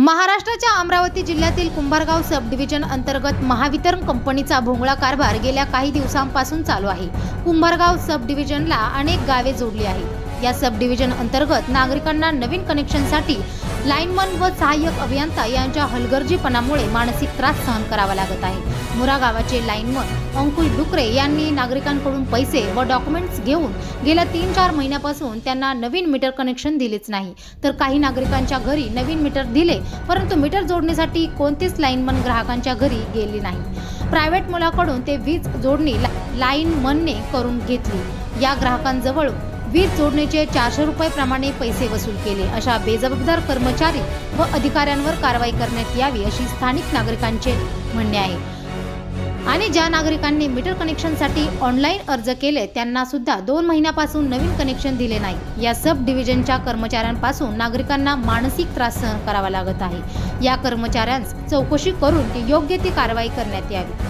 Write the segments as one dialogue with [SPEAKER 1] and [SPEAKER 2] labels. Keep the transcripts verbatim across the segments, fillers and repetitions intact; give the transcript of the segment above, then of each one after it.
[SPEAKER 1] महाराष्ट्राच्या अमरावती जिल्ह्यातील कुंभारगाव सब डिव्हिजन अंतर्गत महावितरण कंपनीचा भोंगळा कारभार गेल्या काही दिवसांपासून चालू आहे। कुंभारगाव सब डिव्हिजनला अनेक गावे जोडली आहेत। या सब डिव्हिजन अंतर्गत नागरिकांना नवीन कनेक्शनसाठी लाईनमन व सहाय्यक अभियंता यांच्या हलगर्जीपणामुळे मानसिक त्रास सहन करावा लागत आहे। मुरा गावाचे लाईनमन अंकुश डुकरे यांनी नागरिकांकडून पैसे व डॉक्युमेंट्स घेऊन गेल्या तीन चार महिन्यापासून त्यांना नवीन मीटर कनेक्शन दिलेच नाही, तर काही नागरिकांच्या घरी नवीन मीटर दिले, परंतु मीटर जोडणीसाठी कोणतीच लाईनमन ग्राहकांच्या घरी गेली नाही। प्रायव्हेट मुलाकडून ते वीज जोडणी लाईनमनने करून घेतली। या ग्राहकांजवळ वीज जोडणीचे चारशे रुपये प्रमाणे पैसे वसूल केले। अशा बेजबाबदार कर्मचारी व अधिकाऱ्यांवर कारवाई करण्यात यावी अशी स्थानिक नागरिकांचे म्हणणे आहे। आणि ज्या नागरिकांनी मीटर कनेक्शनसाठी ऑनलाईन अर्ज केले त्यांना सुद्धा दोन महिन्यापासून नवीन कनेक्शन दिले नाही। या सब डिव्हिजनच्या कर्मचाऱ्यांपासून नागरिकांना मानसिक त्रास सहन करावा लागत आहे। या कर्मचाऱ्यांस चौकशी करून ती योग्य ती कारवाई करण्यात यावी।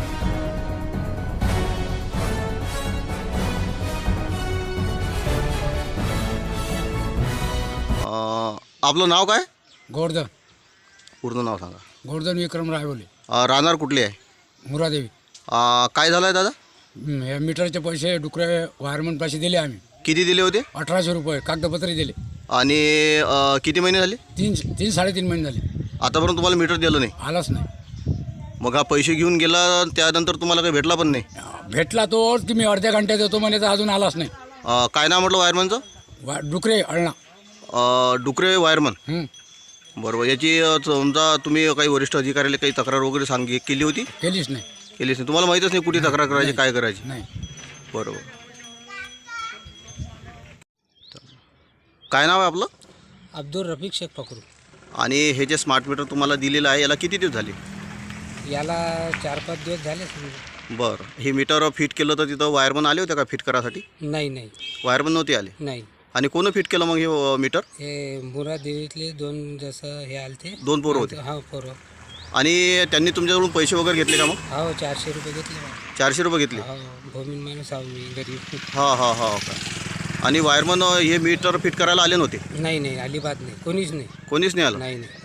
[SPEAKER 2] आपलं नाव काय?
[SPEAKER 3] गोवर्धन
[SPEAKER 2] पूर्ण नाव सांगा।
[SPEAKER 3] गोवर्धन विक्रम रायवले,
[SPEAKER 2] अ, राहणार कुठली आहे?
[SPEAKER 3] मुरादेवी।
[SPEAKER 2] अ, काय झालं आहे दादा?
[SPEAKER 3] हं, या मीटरचे पैसे डुकरे वायरमन पैसे दिले आम्ही।
[SPEAKER 2] किती दिले होते?
[SPEAKER 3] अठराशे रुपये कागदपत्र दिले।
[SPEAKER 2] आणि अ, किती महिने झाले?
[SPEAKER 3] तीन तीन साडेतीन महिने झाले,
[SPEAKER 2] आतापर्यंत तुम्हाला मीटर दिलं नाही?
[SPEAKER 3] आलाच नाही।
[SPEAKER 2] मग हा पैसे घेऊन गेला, त्यानंतर तुम्हाला काही भेटला पण नाही?
[SPEAKER 3] भेटला तो की मी अर्ध्या घंट्यात येतो म्हणे, तर अजून आलाच नाही।
[SPEAKER 2] अ, काय नाव म्हटलं वायरमनचं?
[SPEAKER 3] वा डुकरे अळणा।
[SPEAKER 2] अ, डुकरे वायरमन,
[SPEAKER 3] हं,
[SPEAKER 2] बरोबर। याची अ, समजा तुम्ही काही वरिष्ठ अधिकाऱ्याला काही तक्रार वगैरे सांगी केली होती?
[SPEAKER 3] केलीच नाही।
[SPEAKER 2] केलीच नाही? तुम्हाला माहीतच नाही कुठे तक्रार करायची, काय करायची?
[SPEAKER 3] नाही।
[SPEAKER 2] बरोबर। काय नाव आहे आपलं?
[SPEAKER 4] अब्दुल रफीक शेख फकरू।
[SPEAKER 2] आणि हे जे स्मार्ट मीटर तुम्हाला दिलेलं आहे याला किती दिवस झाले?
[SPEAKER 4] याला चार पाच दिवस झाले।
[SPEAKER 2] बरं, हे मीटर फिट केलं तर तिथं वायरमन आले होते का फिट करायसाठी?
[SPEAKER 4] नाही नाही
[SPEAKER 2] वायरमन नव्हते आले?
[SPEAKER 4] नाही।
[SPEAKER 2] आणि कोण फिट केलं मग हे अ, मीटर?
[SPEAKER 4] हे मुरादेवीतले दोन जसं हे आलते,
[SPEAKER 2] दोन पोरं होते?
[SPEAKER 4] हा पोरं।
[SPEAKER 2] आणि त्यांनी तुमच्याकडून पैसे वगैरे घेतले का? मग
[SPEAKER 4] हो चारशे रुपये घेतले बा।
[SPEAKER 2] चारशे रुपये घेतले?
[SPEAKER 4] हो, भूमीन माणूस आहो मी, गरीब।
[SPEAKER 2] हां हां हां का? आणि वायरमन अ, हे मीटर फिट करायला आले नव्हते?
[SPEAKER 4] नाही नाही, अलिबाग नाही, कोणीच नाही,
[SPEAKER 2] कोणीच नाही आलं?
[SPEAKER 4] नाही नाही।